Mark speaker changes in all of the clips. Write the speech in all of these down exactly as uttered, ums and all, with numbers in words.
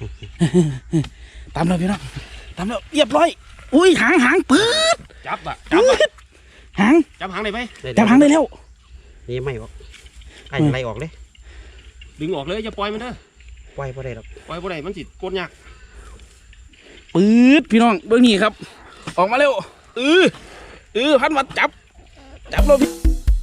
Speaker 1: ตามเลยพี่น้องตามแล้วเรียบร้อยอุ้ยหางหางปื๊ด
Speaker 2: จับอ่ะจับ
Speaker 1: หาง
Speaker 2: จับหางได้ไหม
Speaker 1: จับหางได้แล้ว
Speaker 3: นี่ไม่ออกไก่ไล่ออกเลย
Speaker 2: ดึงออกเลยอย่าปล่อยมันเด้อ
Speaker 3: ปล่อยบ่ได้หรอก
Speaker 2: ปล่อยบ่ได้มันสิกดยาก
Speaker 1: ปื๊ดพี่น้องเบื้องนี้ครับออกมาเร็วเออเออพันวัดจับจับเราพี่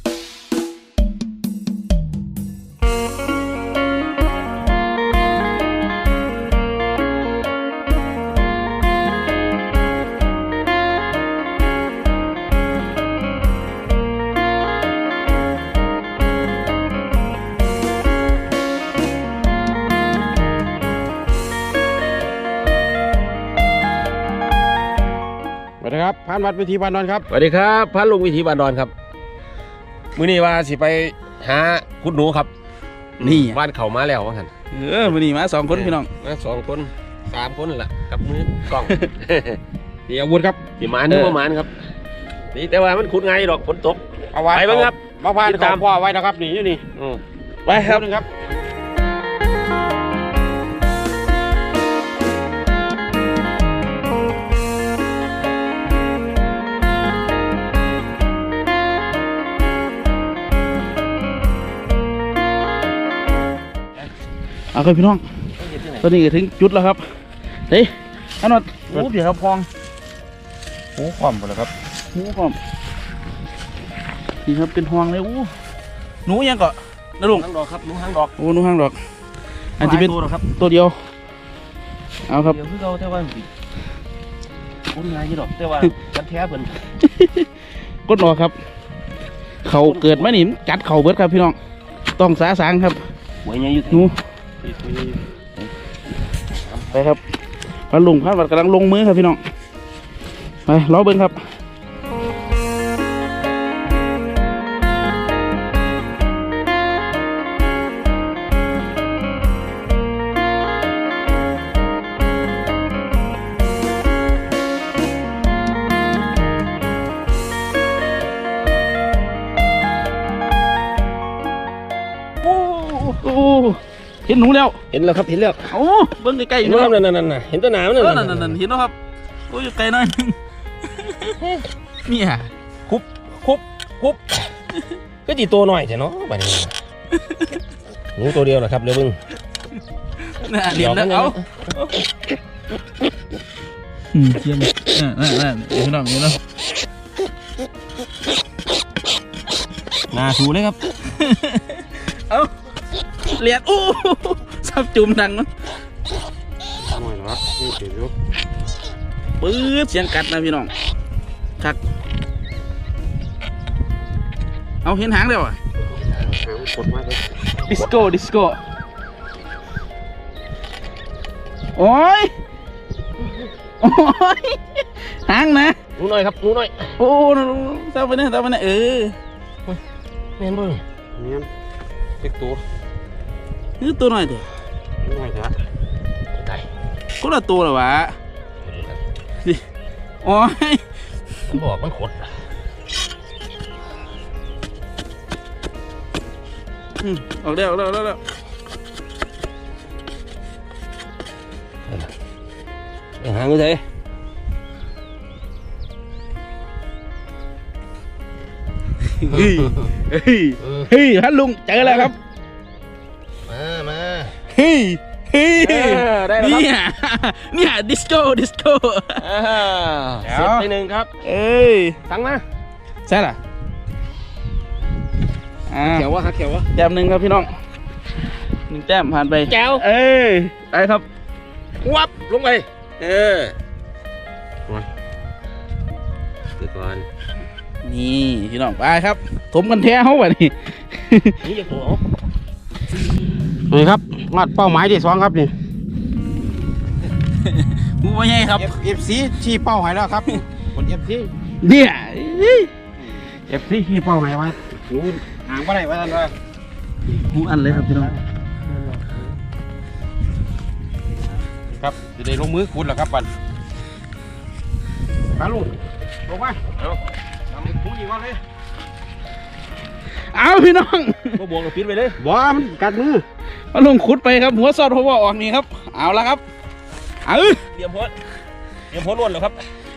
Speaker 2: สวัสดีครับพานวัดวิธีบานดอนครับ
Speaker 4: สวัสดีครับพานลุงวิธีบานดอนครับมื้อนี้ว่าสิไปหาคุดหนูครับ
Speaker 1: นี่
Speaker 4: บ้านเขามาแล้วว่างั้น
Speaker 1: เออมื้อนี้มาสองคนพี่น้อง
Speaker 4: มาสองคนสามคนแหละกับมือกล้อง
Speaker 2: นี่อาวุธครับ
Speaker 4: สีหมานนึกว่าหมานครับนี่แต่ว่ามันขุดง่ายดอกฝนตก
Speaker 2: เอาไว้ไปบ้างครับมาพานตามพ่อไว้นะครับนี่อยู่นี่
Speaker 1: ไปครับ
Speaker 2: ครับ
Speaker 1: เอาครับพี่น้องตอนนี้ก็ถึงจุดแล้วครับเฮ้ยอันนั้นโอ้เผียครับพอง
Speaker 2: หูความหมดเลยครับ
Speaker 1: หูความนี่ครับเป็นห่วงเลยโอ้หนูยังเกาะนะลุง
Speaker 2: หางดอกครับหนูหางดอก
Speaker 1: โอ้หนูหางดอกอันที่เป็นตัวเดียวเอาครับ
Speaker 2: เดี๋ยวคือเราแต่ว่าคุ้นง่ายยี่ดอกแต่ว่ากันแท้เพิ่น
Speaker 1: กดหนอครับเขาเกิดมาหนิมกัดเข่าเบิดครับพี่น้องต้องสาสางครับ
Speaker 2: หวยใหญ่อยู่
Speaker 1: หนูไปครับพาลุงพาวัดกำลังลงมือครับพี่น้องไปล้อเบิ้งครับเห็นหนูแล้ว
Speaker 4: เห็นแล้วครับเห็นแล้ว
Speaker 1: โอ้เบิ้งใกล้ๆอยู่
Speaker 4: นั่นนั่นนั่นเห็นตัวหนามนั่น
Speaker 1: นั่นนั่นเห็นแล้วครับโอ้ยไกลหน่อยนึงนี่ฮะ
Speaker 4: คุบคุบคุบก็จีตัวหน่อยใช่เนาะบัดนี้หนูตัวเดียวนะครับเดี๋ยวเบิ้ง
Speaker 1: น่ะเดี๋ยวแล้วเอาอืมเทียมนั่นนั่นเดี๋ยวน้องเดี๋ยวน้อง
Speaker 4: น่าชูเลยครับ
Speaker 1: เอาเลียดอู้ซับจุ่มดังมั้ง
Speaker 2: หน่อยนะครับนี่เสียง
Speaker 1: ปื๊ดเสียงกัดนะพี่น้องคักเอาเห็นหางเดียวอ่ะ
Speaker 2: กดมาเลย
Speaker 1: ดิสโก้ดิสโก้โอ้ยโอ้ยหางนะ
Speaker 4: หนูหน่อยครับหนูหน่อย
Speaker 1: โอ้เจ้าไปเนี่ยเจ้าไปเนี่ยเออ
Speaker 4: เห็นบ่
Speaker 2: เนี่ยเด็กตัว
Speaker 1: นี่ตัวหน่อยเถอะ
Speaker 2: หน่อยเถอะ
Speaker 1: ก็ละตัวเหรอวะดิโอ้ย
Speaker 4: มันบอกมันขด
Speaker 1: ออกเร็วเร็วเร็วเร็ว
Speaker 4: หางกูเลย
Speaker 1: เฮ้ยเฮ้ยเฮ้ยฮัลลุงเจอแล้วครับ
Speaker 4: มามา
Speaker 1: เฮ้ยเฮ้ยเนี่ยเนี่ยดิสโก้ดิสโก้
Speaker 4: เสร็จไปหนึ่งครับ
Speaker 1: เอ้ย
Speaker 4: ตั้งมา
Speaker 1: ใช่หรอ
Speaker 4: เขียววะครับเขียววะ
Speaker 1: แต้มหนึ่งครับพี่น้องหนึ่งแต้มผ่านไป
Speaker 4: แก้ว
Speaker 1: เอ้ยไปครับ
Speaker 4: วับลงไปเออเดี๋ยวก่อน
Speaker 1: นี่พี่น้องไปครับถมกันแท้เขาแบบนี้
Speaker 4: นี่จะโผล่
Speaker 2: นี่ครับงัดเป้าหมายที่สองครับนี่
Speaker 1: มูว่าไงครับ
Speaker 2: เอฟซีชี้เป้าหมายแล้วครับคนเอฟซี
Speaker 1: เนี่ย
Speaker 2: เอฟซีชี้เป้าหมายไว้ดูห่างไปไหนไว้ท่านเลย
Speaker 1: หูอันเลยครับพี่น้อง
Speaker 2: ครับจะได้ลงมือขุดแล้วครับปันไปลุงลงไปเอาทำขุดอีกวันเลย
Speaker 1: เอาพี่น้อง
Speaker 4: ก็บวกกับปิดไปเลย
Speaker 2: บ้ามันกัดมือ
Speaker 1: มาลงขุดไปครับหัวซอดหัวออกนี่ครับเอาละครับเอา
Speaker 4: เตรียมหัวเตรียมหัวล้วนแล้วครับ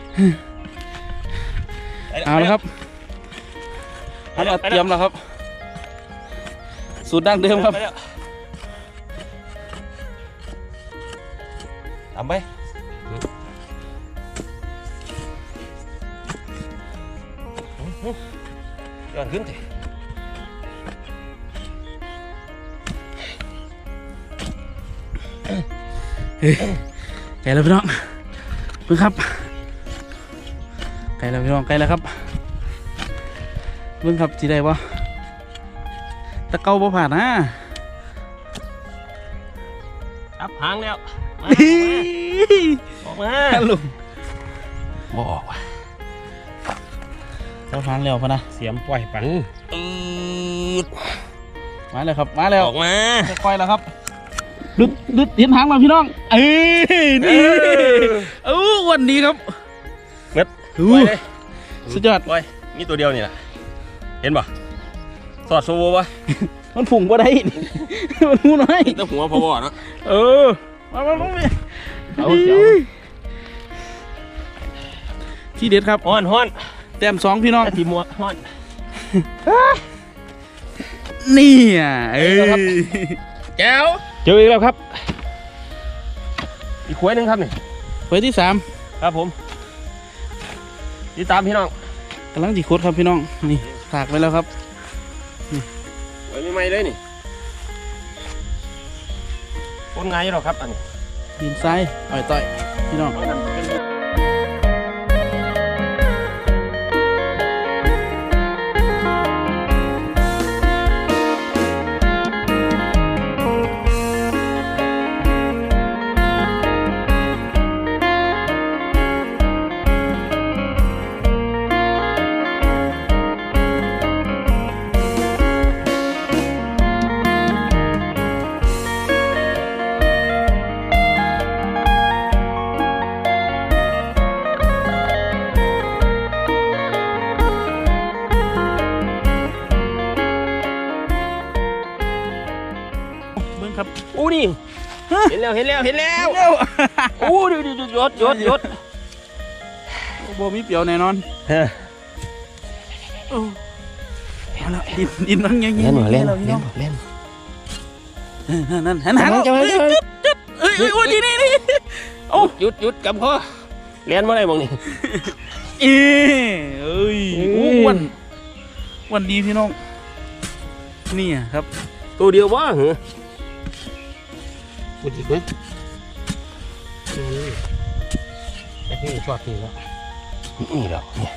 Speaker 1: เอาละครับพันวัดเตรียมแล้วครับสูตรดั้งเดิมครับ
Speaker 4: ทำไปย้อนขึ้นสิ
Speaker 1: ไก่แล้วพี่น้องเพิ่งครับไก่แล้วพี่น้องไก่แล้วครับเพิ่งครับจีได้ปะตะเกาบ่ผ่านนะ
Speaker 4: อับหางแล้วมาออกมา
Speaker 1: ลุงบ่ออกว่ะเจ้าหางแล้วพะนะ
Speaker 2: เสียมปล่อยปัง
Speaker 4: อืด
Speaker 1: มาแล้วครับมาแล้ว
Speaker 4: ออกมา
Speaker 1: ค่อยๆแล้วครับดึดดึดเห็นหางแล้วพี่น้องเอ้ยนี่เอ้าวันนี้ครับ
Speaker 4: เม็ด
Speaker 1: อู้
Speaker 4: ปล่อยเลย
Speaker 1: สุดยอด
Speaker 4: ปล่อยมีตัวเดียวนี่แหละเห็นป่ะสอดโซโวป่ะ
Speaker 1: มันผุ่งบ่ได้ มันหูน้อย
Speaker 4: แต่หัวพอบ่เนาะ
Speaker 1: เออมามามาเอาที่เด็ดครับ
Speaker 4: ฮ้อนฮ้อน
Speaker 1: แต้มสองพี่น้อง
Speaker 4: ทีมัวฮ้อน
Speaker 1: นี่อ่ะเอ้ย
Speaker 4: แก้วเจออีกแล้วครับอีกขวดหนึ่งครับนี่
Speaker 1: ไว้ที่สาม
Speaker 4: ครับผมติดตามพี่น้อง
Speaker 1: กำลังจีโคตรครับพี่น้องนี่ฝากไว้แล้วครับ
Speaker 4: ไว้ไม่ไหมเลยนี่คนง่ายอยู่หรอกครับอันนี้
Speaker 1: ดินทรายอ่อยต่อยพี่น้องเบิ้งครับ
Speaker 4: อู้นี่เห็นแล้วเห็นแล้วเห็นแล้ว
Speaker 1: เร็ว
Speaker 4: อู้ดูดูดูยศยศยศ
Speaker 1: โบมีเปรียวแน่นอน
Speaker 4: เฮ้ย
Speaker 1: เอาละดินดินนั่งยังยัง
Speaker 4: เล่นหน่อยเล่น
Speaker 1: เรา
Speaker 4: เล่น
Speaker 1: พี่น้อง
Speaker 4: เล่น
Speaker 1: นั่นนั่นหันหัน
Speaker 4: จะไป
Speaker 1: เอ้ย
Speaker 4: จะไป
Speaker 1: เอ้ยเอ้ยโอ้ยนี่นี่นี่โอ้
Speaker 4: หยุดหยุดกับพ่อเล่นเมื่อไรมองนี่
Speaker 1: เอ้ยเอ้ยโอ้อ้วันวันดีพี่น้องนี่อะครับ
Speaker 4: ตัวเดียววะเหรอ
Speaker 3: พูดอีกไหมไอ้ที่ชอบนี่แล้ว
Speaker 4: นี่แล้วนี่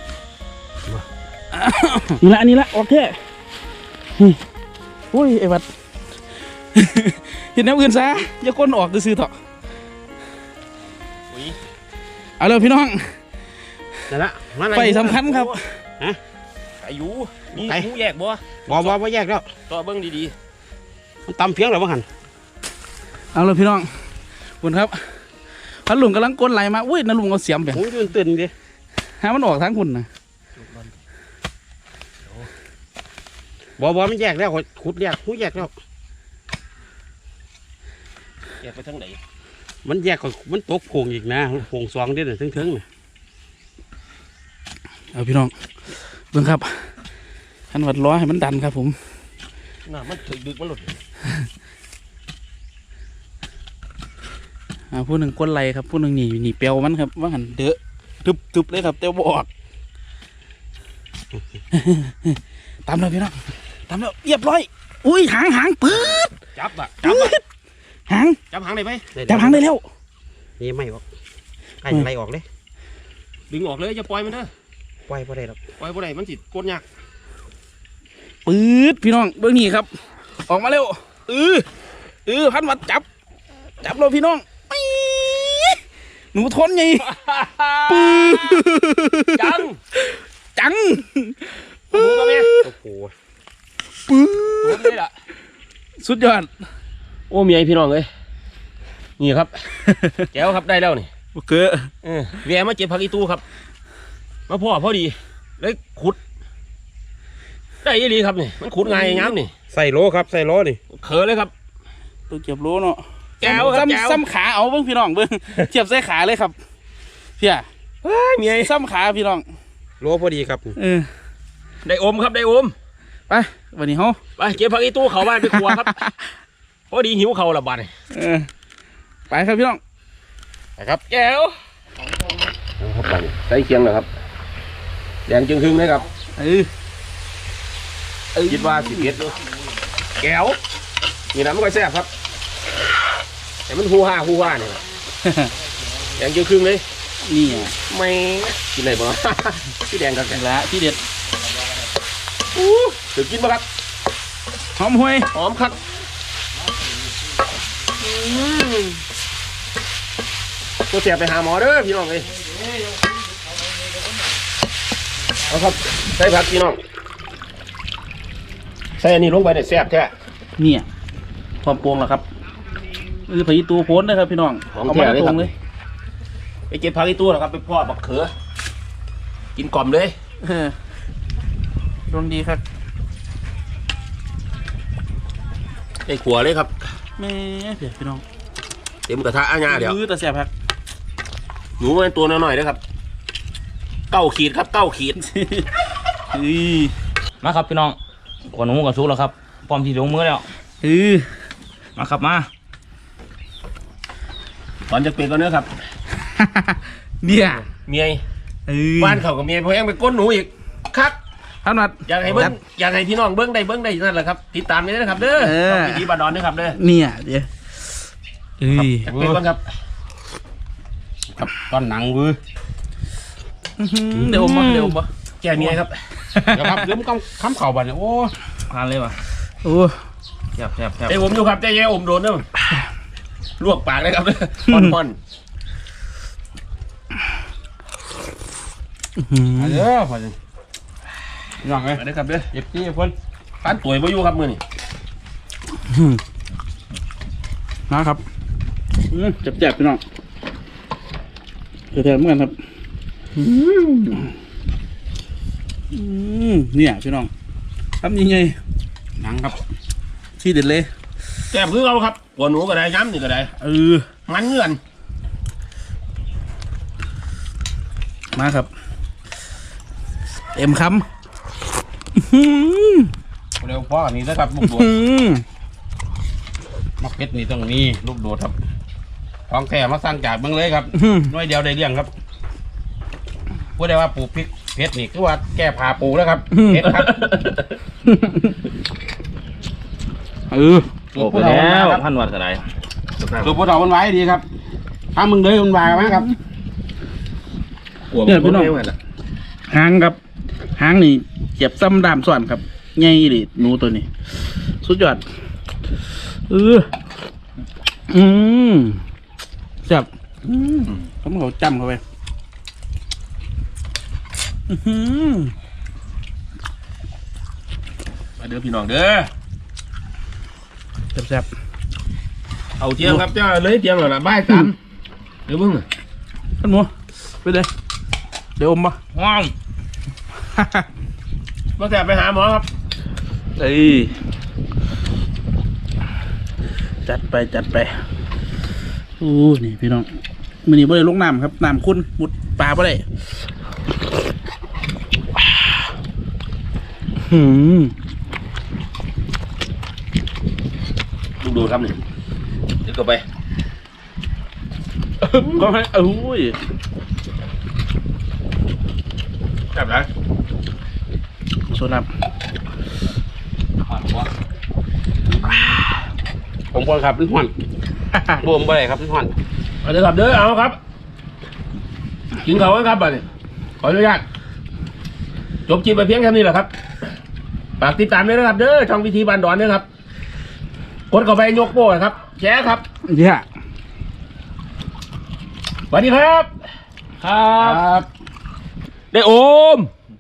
Speaker 1: นี่ละอันนี้ละโอเคนี่โอ้ยไอ้บัด เห็นน้ำอื่นซะอย่าก้นออกซื้อๆเถอะ
Speaker 4: อุ้ย
Speaker 1: เอาเลยพี่น้อง
Speaker 3: นั่นละมา
Speaker 1: ไฟสำคัญครับ
Speaker 4: อายุมีหูแยกบ่
Speaker 3: บ่บ่บ่แยกแล้ว
Speaker 4: ต่อเบิ้งดี
Speaker 3: มันตำเพียงหรือว่าหัน
Speaker 1: เอาเลยพี่น้องคุณครับพันลุงกำลังก้นไหลมาอุ้ยนั่นลุงเอาเสียมไป
Speaker 3: โอ้ยตื่นตื่นดิ
Speaker 1: หามันออกทางคุณนะ
Speaker 3: บ่บ่มันแยกแล้วขุดแยกหูแยกแล้ว
Speaker 4: ๆแยกไปทางไหน
Speaker 3: มันแยกก่อนมันตกโพงอีกนะโพงสองเด่นถึงถึงๆน่ะ
Speaker 1: เอาพี่น้องเบิ่งครับขันวัดล้อให้มันดันครับผม
Speaker 4: น่ะมันถึกดึกมันหลุด
Speaker 1: อ่าผู้หนึ่งก้นไหลครับผู้หนึ่งหนีหนีเปียวมันครับว่าหันเดอะทึบทึบเลยครับเต้าบออก ตามเลยพี่น้องตามแล้วเรียบร้อยอุ้ยหางหางปื๊ด
Speaker 4: จับอ่ะจับอ่ะ
Speaker 1: หาง
Speaker 4: จับหางได้ไหม
Speaker 1: จับหางได้แล้ว
Speaker 3: นี่ไม่ออกไอ้ไล่ออกเลย
Speaker 4: ดึงออกเลยอย่าปล่อยมันเถอะ
Speaker 3: ปล่อยบ่ได้หรอก
Speaker 4: ปล่อยบ่ได้มันสิกดยาก
Speaker 1: ปื๊ดพี่น้องเบื้องนี้ครับ ออกมาเร็วเออเออพันวัดจับจับเราพี่น้องปี๊ดหนูทนไงปื๊ด
Speaker 4: จัง
Speaker 1: จัง
Speaker 4: โอ้โหตัวเนี้ย
Speaker 3: โอ้โห
Speaker 1: ปื๊
Speaker 4: ตัว
Speaker 1: ด
Speaker 4: นี้ล่ะ
Speaker 1: สุดยอด
Speaker 4: โอ้เมียพี่น้องเอ้ยนี่ครับ แก้วครับได้แล้วนี่
Speaker 1: โอเค
Speaker 4: เออแวะมาเก็บผักอีตู้ครับมาพ่อพอดีเลยขุดได้ยี่ดีครับนี่มันขุดง่ายงามนี่
Speaker 3: ใส่โลครับใส่โลนี่
Speaker 4: เขอเลยครับ
Speaker 1: ตัวเก็บโลเนาะ
Speaker 4: แก้วครับแก้ว
Speaker 1: ซ้ำซ้ำขาเอาเบิ่งพี่น้องเบิ่งเทียบใส่ขาเลยครับเพี่ย
Speaker 4: เฮ้ยเมีย
Speaker 1: ซ้ำขาพี่น้อง
Speaker 3: โลพอดีครับ
Speaker 1: เออ
Speaker 4: ได้อมครับได้อม
Speaker 1: ไปวันนี้เฮา
Speaker 4: ไปเก็บผักอีตู้เขาบ้านไปครัวครับพอดีหิวเขาละบาดนี่
Speaker 1: เออไปครับพี่น้อง
Speaker 4: ไปครับแก้วครับไปใส่เคียงเลยครับแดงจึงครึ่งเลยครับ
Speaker 1: เออเออ
Speaker 4: คิดว่าสิเก็ดดูแก้วนี่นะมันก็แซ่บครับแต่มันฮูฮ่าฮูฮ่าเนี่ยแดงจึงครึ่งเลย
Speaker 1: นี่อ่ะ
Speaker 4: ไม่กินอะไรบ้าง พี่แดงกับแก
Speaker 1: ละที่เด็ด
Speaker 4: ถือกินปะครับ
Speaker 1: หอมห่วย
Speaker 4: หอมครับตัวเสียไปหาหมอเด้อพี่น้องเลยเอาครับใส่ผักพี่น้องใส่อันนี้ลงไปเนี่ยแซ่บแท้
Speaker 1: เนี่ยความโปร่งแล้วครับเออผีตัวโพ้นนะครับพี่น้อง
Speaker 4: ของ
Speaker 1: เอา
Speaker 4: แท้
Speaker 1: มา
Speaker 4: เลย
Speaker 1: ต
Speaker 4: ค
Speaker 1: ร
Speaker 4: รับ
Speaker 1: งเลย
Speaker 4: ไปเก็บผักอีตู้นะครับไปพ่อบักเขือกินกล่อมเลย
Speaker 1: เออดวงดีครับ
Speaker 4: ไอ้ขัวเลยครับ
Speaker 1: แม่เดี๋ยวพี่น้อง
Speaker 4: เต็มกระทะอาญาเดี๋ยว
Speaker 1: มือตะแสบครับ
Speaker 4: หนูเป็นตัวน้อยๆนะครับเก้าขีดครับเก้าขีด
Speaker 1: เฮ้ย
Speaker 2: มาครับพี่น้องขวหนูกับซุกแล้วครับพร้อมที่ลงมือแล้ว
Speaker 1: เออ
Speaker 2: มาครับมา
Speaker 4: ตอนจะเป็นก็เนื้อครับ
Speaker 1: เนี่ย
Speaker 4: เมีย
Speaker 1: เออ
Speaker 4: บ้านเขากับเมียพอยังไปก้นหนูอีกครับ
Speaker 1: ท่านนัด
Speaker 4: อยากให้เบิ้งอยากให้พี่น้องเบิ้งได้เบิ้งได้นั่นแหละครับติดตามนี่นะครับเด้อ
Speaker 1: เออ
Speaker 4: ช่องพิธีบาดอนนะครับเด้อ
Speaker 1: เนี่ยเดี๋ยวเอ้ย
Speaker 4: จากเป็นก่อนครับ
Speaker 3: ครับตอนหนังวื้อ
Speaker 1: อื้อหือเดี๋ยวอมมาเดี๋ยวอมมา
Speaker 4: แก่เมียครับ
Speaker 3: เดี๋ยวครับเดี๋ยวมันคำเข่าบัดเนี่ยโอ้
Speaker 2: ผ่านเลยว่ะ
Speaker 1: โอ้
Speaker 2: แซ่บแซ่บแซ่บ
Speaker 4: ไอ้ผมอยู่ครับใจแย่อมโดนเด้อลวกปากเลยครับเด้อพอนพอน
Speaker 1: อื้อหือ
Speaker 3: มาเด้อพอจังย่องเลย
Speaker 4: มาเด้อครับเด้อ
Speaker 3: เจ็บจี้เพิ่น
Speaker 4: ปานตุ๋ยบ่อยู่ครับมื้อนี้
Speaker 1: นะครับอืมจับแจบพี่น้องแถมเหมือนกันครับอืมอืมเนี่ยพี่น้องทำยังไง
Speaker 3: หนังครับ
Speaker 1: ที่เด็ดเลย
Speaker 4: แก้มคือเอาครับหัวหนูก็ได้ย้ำนี่ก็ได้
Speaker 1: เออ
Speaker 4: มันเงื่อน
Speaker 1: มาครับเต็มคำอื้อหือ
Speaker 3: เร็วพ่อนี่นะครับลูกโดด
Speaker 1: อื้อหือ
Speaker 3: มักเพชรนี่ต้องนี่ลูกโดดครับท้องแท้มาสร้างจากเมืองเลยครับ
Speaker 1: อื้อ
Speaker 3: น้อยเดียวได้เลี้ยงครับพูดได้ว่าปลูกพริกเพชรนี่คือว่าแก้ผ่าปลูกแล้วครับเพชรครับ
Speaker 1: เออ
Speaker 2: โอ้ไปแล้วพันวัดก็ได้
Speaker 3: สูบผู้เฒ่ามันไว้ดีครับถ้ามึงเลยมันวายมั้งครับ
Speaker 1: เนี่ยพี่น้องหางครับหางนี่เจ็บซ้ำดามส่วนครับไงดิหนูตัวนี้ สุดยอดเอออืมจับอืมเขาเขาจำเข้าไปอื้อหือ
Speaker 4: มาเด้อพี่น้องเด้อ
Speaker 1: แซ่บ
Speaker 4: เอาเทียงครับเจ้าเลยเทียงหน่อยละบ่ายสามเดี๋ยวมึง
Speaker 1: ๆท่านหมูไปเลยเดี๋ยวอมปะ
Speaker 2: ว้าว
Speaker 4: มาแต่ไปหาหมอครับ
Speaker 1: เอ้ยจัดไปจัดไปโอ้นี่พี่น้องมือนี้บ่ได้ลงน้ำครับน้ำคุณมุดปลาบ่ได้หืม
Speaker 4: ดูดูครับนี่เดี๋ยวก็ไป
Speaker 1: ก็ให้เอ้ย
Speaker 4: จับแล้ว
Speaker 1: โซนับ
Speaker 3: ผมคนครับเป็นห่อนรวมไปครับเป็นห่อน
Speaker 4: มาเด้อครับเด้อเอาครับกินเขากันครับบัดนี้ขออนุญาตจบคลิปไปเพียงแค่นี้แหละครับฝากติดตามด้วยนะครับเด้อช่องพิธีบานดอนด้วยครับกดเข้าไปยกโป้ครับแชร์ครับ
Speaker 1: เนี่ย
Speaker 4: สวัสดีครับ
Speaker 2: ครับ
Speaker 4: ได้โอม